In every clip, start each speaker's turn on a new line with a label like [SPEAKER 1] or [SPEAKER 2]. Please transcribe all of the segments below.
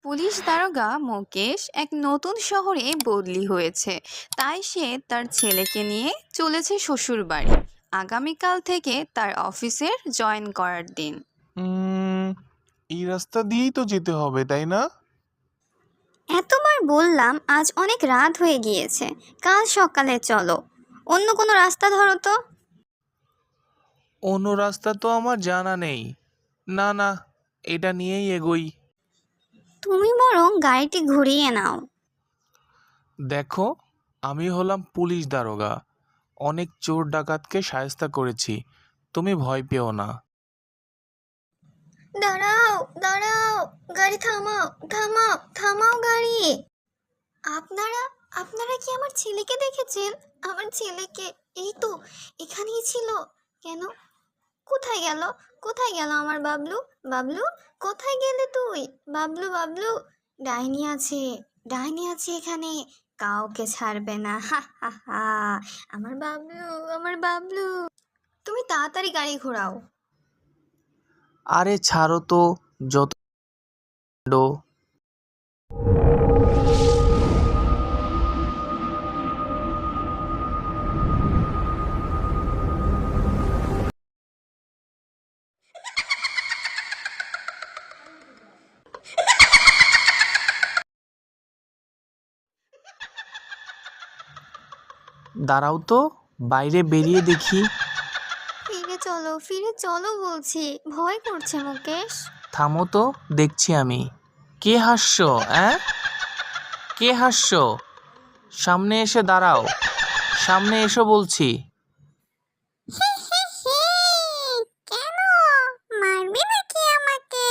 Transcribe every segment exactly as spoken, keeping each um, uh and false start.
[SPEAKER 1] Police দারোগা মুকেশ এক নতুন শহরে বদলি হয়েছে, তাই সে তার ছেলেকে নিয়ে চলেছে শ্বশুরবাড়ি। আগামীকাল থেকে তার অফিসের জয়েন করার দিন।
[SPEAKER 2] উম, এই রাস্তা দিয়েই তো যেতে হবে, তাই না?
[SPEAKER 3] এতবার বললাম, আজ অনেক রাত হয়ে গিয়েছে, কাল সকালে চলো। অন্য কোনো রাস্তা ধরো তো।
[SPEAKER 2] অন্য রাস্তা তো আমার জানা নেই। না না, এটা নিয়েই এগোই।
[SPEAKER 3] তুমি বরং গাড়িটি ঘুরিয়ে নাও।
[SPEAKER 2] দেখো, আমি হলাম পুলিশ দারোগা। অনেক চোর ডাকাতকে শায়েস্তা করেছি। তুমি ভয় পেও না।
[SPEAKER 3] দাঁড়াও দাঁড়াও, গাড়ি থামাও থামাও থামাও গাড়ি। আপনারা আপনারা কি আমার ছেলেকে দেখেছেন? আমার ছেলেকে এই তো এখানেই ছিল। কেন? কোথায় গেল? কোথায় গেল আমার বাবলু? বাবলু, কোথায় গেলে তুই? বাবলু বাবলু, ডাইনি আছে, ডাইনি আছে এখানে, কাউকে ছাড়বে না। হা হা হা। আমার বাবলু, আমার বাবলু। তুমি তাড়াতাড়ি গাড়ি ঘোরাও।
[SPEAKER 2] আরে ছাড়ো তো, যত কাণ্ড। দাঁড়াও তো, বাইরে বেরিয়ে দেখি।
[SPEAKER 3] ফিরে চলো, ফিরে চলো বলছি, ভয় করছে মুকেশ।
[SPEAKER 2] থামো তো, দেখছি আমি। কে হাসছো? অ্যাঁ কে হাসছো? সামনে এসে দাঁড়াও। সামনে এসো বলছি।
[SPEAKER 3] কেন? মারবে নাকি আমাকে?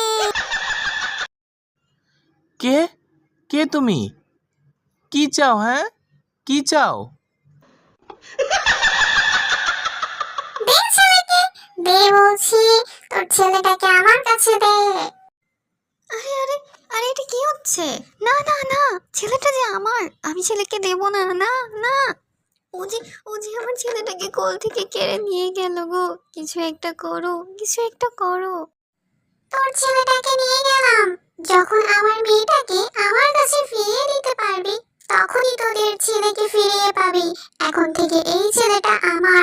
[SPEAKER 2] কে কে তুমি? কি চাও? হ্যাঁ, কি চাও?
[SPEAKER 3] দে ছেলেকে, দে বলছি, তোর ছেলেটাকে আমার কাছে দে। আরে আরে আরে, এটা কি হচ্ছে? না না না, ছেলেটা যে আমার, আমি ছেলেকে দেব না। না না, ও যে ও যে আমার ছেলেটাকে কোল থেকে কেড়ে নিয়ে গেল গো। কিছু একটা করো, কিছু একটা করো। তোর ছেলেটাকে নিয়ে গেলাম, যখন আমার মেয়েটাকে আমার কাছে ফিরিয়ে দিতে পারবি, তখনই তোদের ছেলেকে ফিরিয়ে পাবি। এখন থেকে এই ছেলেটা আমার।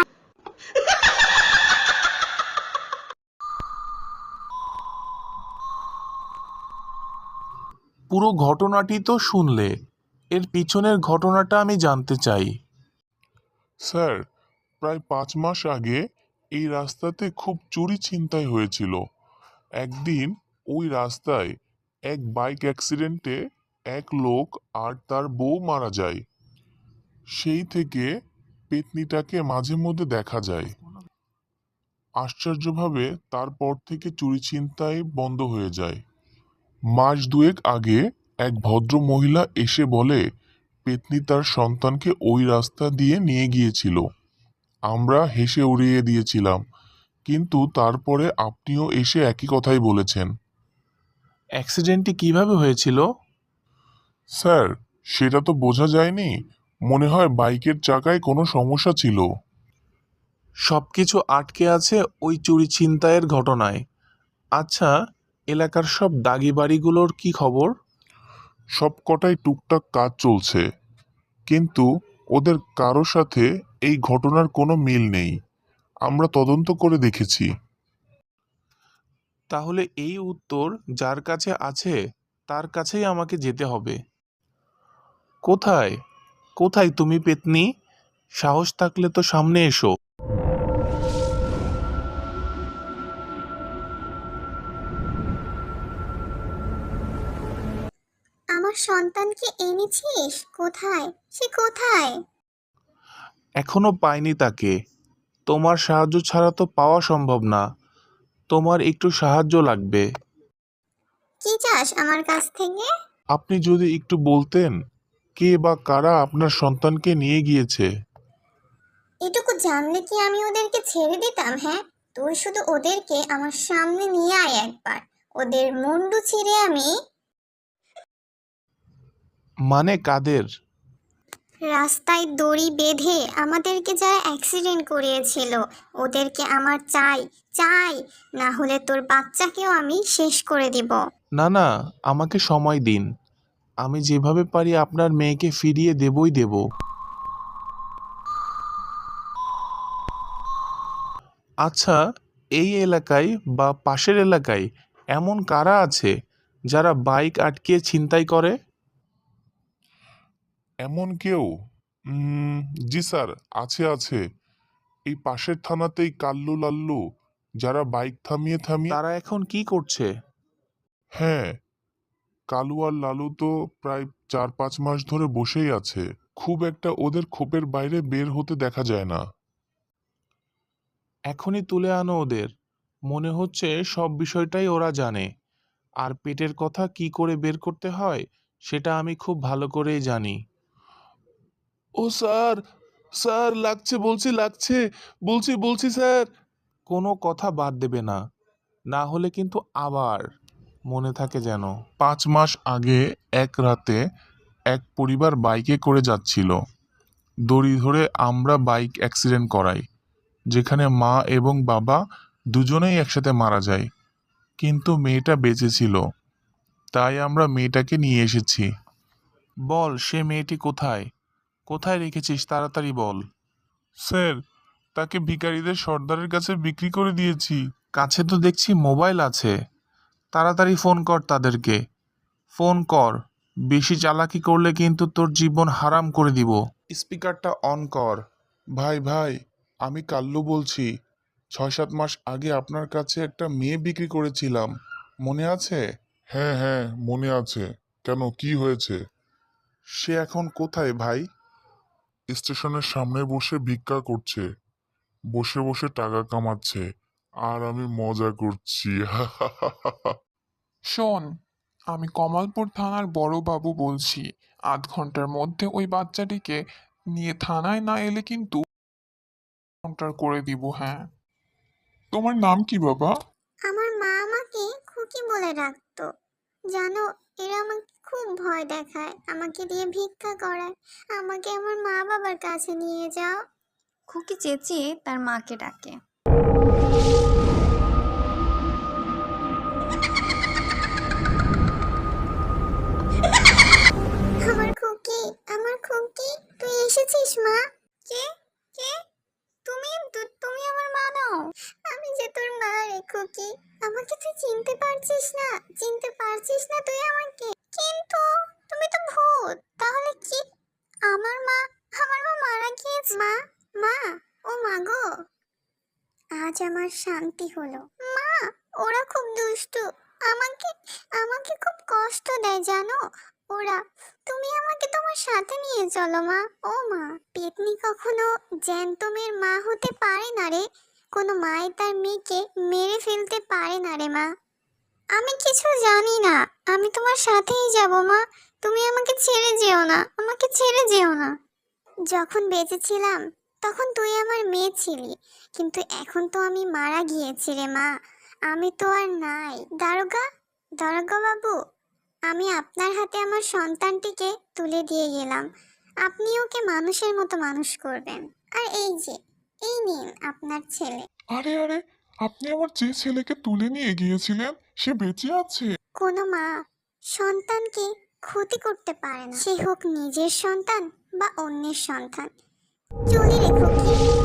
[SPEAKER 2] পুরো ঘটনাটি তো শুনলে, এর পিছনের ঘটনাটা আমি জানতে চাই।
[SPEAKER 4] স্যার, প্রায় পাঁচ মাস আগে এই রাস্তাতে খুব চুরি ছিনতাই হয়েছিল। একদিন ওই রাস্তায় এক বাইক অ্যাক্সিডেন্টে এক লোক আর তার বউ মারা যায়। সেই থেকে পেতনিটাকে মাঝে মধ্যে দেখা যায়। আশ্চর্যভাবে তারপর থেকে চুরি ছিনতাই বন্ধ হয়ে যায়। মাস দুয়েক আগে এক ভদ্র মহিলা এসে বলে পেতনি তার সন্তানকে ওই রাস্তা দিয়ে নিয়ে গিয়েছিল। আমরা হেসে উড়িয়ে দিয়েছিলাম, কিন্তু তারপরে আপনিও এসে একই কথাই বলেছেন।
[SPEAKER 2] অ্যাক্সিডেন্টটি কিভাবে হয়েছিল?
[SPEAKER 4] স্যার, সেটা তো বোঝা যায়নি। মনে হয় বাইকের চাকায় কোনো সমস্যা ছিল।
[SPEAKER 2] সবকিছু আটকে আছে ওই চুরি ছিনতাইয়ের ঘটনায়। আচ্ছা, এলাকার সব দাগি বাড়িগুলোর কি খবর?
[SPEAKER 4] সব কটাই টুকটাক কাজ চলছে, কিন্তু ওদের কারো সাথে এই ঘটনার কোনো মিল নেই। আমরা তদন্ত করে দেখেছি।
[SPEAKER 2] তাহলে এই উত্তর যার কাছে আছে তার কাছেই আমাকে যেতে হবে। কোথায় কোথায় তুমি পেতনি? সাহস থাকলে তো সামনে এসো।
[SPEAKER 3] আমার সন্তানকে এনেছিস? কোথায় সে, কোথায়?
[SPEAKER 2] এখনো পাইনি তাকে। তোমার সাহায্য ছাড়া তো পাওয়া সম্ভব না। তোমার একটু সাহায্য লাগবে।
[SPEAKER 3] কি চাস আমার কাছ থেকে?
[SPEAKER 4] আপনি যদি একটু বলতেন কে বা কারা আপনার সন্তানকে নিয়ে গিয়েছে।
[SPEAKER 3] এটুকু জানলে কি আমি ওদেরকে ছেড়ে দিতাম? হ্যাঁ, তুই শুধু ওদেরকে আমার সামনে নিয়ে আয় একবার, ওদের মুন্ডু ছিঁড়ে আমি।
[SPEAKER 2] মানে কাদের?
[SPEAKER 3] রাস্তায় দড়ি বেঁধে আমাদেরকে যারা অ্যাক্সিডেন্ট করিয়েছিল ওদেরকে আমার চাই চাই, না হলে তোর বাচ্চাকেও আমি শেষ করে দিব।
[SPEAKER 2] না না, আমাকে সময় দিন। আমি যেভাবে পারি আপনার মেয়েকে ফিরিয়ে দেবই দেব। আচ্ছা, এই এলাকায় বা পাশের এলাকায় এমন কারা আছে যারা বাইক আটকিয়ে ছিনতাই করে?
[SPEAKER 4] এমন কেউ? উম, জি স্যার, আছে আছে। এই পাশের থানাতেই কাল্লু লাল্লু, যারা বাইক থামিয়ে থামিয়ে।
[SPEAKER 2] তারা এখন কি করছে?
[SPEAKER 4] হ্যাঁ, কালু আর লালু তো প্রায় চার পাঁচ মাস ধরে বসেই আছে। খুব একটা ওদের খোপের বাইরে বের হতে দেখা যায় না।
[SPEAKER 2] এখনই তুলে আনো ওদের। মনে হচ্ছে সব বিষয়টাই ওরা জানে। আর পেটের কথা কি করে বের করতে হয় সেটা আমি খুব ভালো করেই জানি। ও স্যার, স্যার লাগছে, বলছি লাগছে, বলছি বলছি স্যার। কোনো কথা বাদ দেবে না, না হলে কিন্তু আবার মনে থাকে যেন।
[SPEAKER 4] পাঁচ মাস আগে এক রাতে এক পরিবার বাইকে করে যাচ্ছিল। দড়ি ধরে আমরা বাইক অ্যাক্সিডেন্ট করাই, যেখানে মা এবং বাবা দুজনেই একসাথে মারা যায়। কিন্তু মেয়েটা বেঁচে ছিল, তাই আমরা মেয়েটাকে নিয়ে এসেছি।
[SPEAKER 2] বল, সে মেয়েটি কোথায়? কোথায় রেখেছিস তাড়াতাড়ি বল।
[SPEAKER 4] স্যার, তাকে ভিখারিদের সর্দারের কাছে বিক্রি করে দিয়েছি।
[SPEAKER 2] কাছে তো দেখছি মোবাইল আছে। তাড়াতাড়ি ফোন কর তাদেরকে। ফোন কর। বেশি চালাকি করলে কিন্তু তোর জীবন হারাম করে দিব। স্পিকারটা অন কর।
[SPEAKER 4] ভাই ভাই, আমি কাল্লু বলছি। ছয় সাত মাস আগে আপনার কাছে একটা মেয়ে বিক্রি করেছিলাম, মনে আছে? হ্যাঁ হ্যাঁ, মনে আছে। কেন, কি হয়েছে?
[SPEAKER 2] সে এখন কোথায় ভাই?
[SPEAKER 4] স্টেশনের সামনে বসে ভিক্ষা করছে, বসে বসে টাকা কামাচ্ছে, আর আমি মজা করছি।
[SPEAKER 5] শোন, আমি কমলপুর থানার বড় বাবু বলছি। আধ ঘন্টার মধ্যে ওই বাচ্চাটিকে নিয়ে থানায় না এলে কিন্তু কাউন্টার করে দিব। হ্যাঁ, তোমার নাম কি বাবা?
[SPEAKER 3] আমার মা আমাকে খুকি বলে ডাকতো। জানো, এরা আমাকে খুব ভয় দেখায়, আমাকে দিয়ে ভিক্ষা করায়। আমাকে আমার মা বাবার কাছে নিয়ে যাও।
[SPEAKER 1] খুকি চেঁচিয়ে তার মাকে ডাকে।
[SPEAKER 3] আমার খুকি, আমার খুকি, তুই এসেছিস মা? কে কে তুমি? তু- তুমি আমার মা নও? আমি যে তোর মা রে খুকি। আমাকে তুই চিনতে পারছিস না? চিনতে পারছিস না তুই আমাকে? কিন্তু তুমি তো ভূত। তাহলে কি? আমার মা, আমার মা মারা গিয়েছে। মা, মা, ও মা গো। আজ আমার শান্তি হলো। মা, ওরা খুব দুষ্টু। আমাকে আমাকে খুব কষ্ট দেয় জানো ওরা। তুমি আমাকে তোমার সাথে নিয়ে চলো মা। ও মা, পেতনি কখনো জ্যান্ত মেয়ের মা হতে পারে না রে। কোনো মাই তার মেয়েকে মেরে ফেলতে পারে না রে মা। আমি কিছু জানি না, আমি তোমার সাথেই যাব মা। তুমি আমাকে ছেড়ে যেও না, আমাকে ছেড়ে যেও না। যখন বেঁচে ছিলাম তখন তুই আমার মেয়ে ছিলি, কিন্তু এখন তো আমি মারা গিয়েছি রে মা। আমি তো আর নাই। দারোগা, দারোগা বাবু, আমি আপনার হাতে আমার সন্তানটিকে তুলে দিয়ে গেলাম। আপনি ওকে মানুষের মতো মানুষ করবেন। আর এই যে, এই নিন আপনার ছেলে।
[SPEAKER 5] আরে আরে, আপনি আমার যে ছেলেকে তুলে নিয়ে গিয়েছিলেন সে বেঁচে আছে?
[SPEAKER 3] কোনো মা সন্তানকে ক্ষতি করতে পারে না, সে হোক নিজের সন্তান বা অন্যের সন্তান। চলে রেখো কি।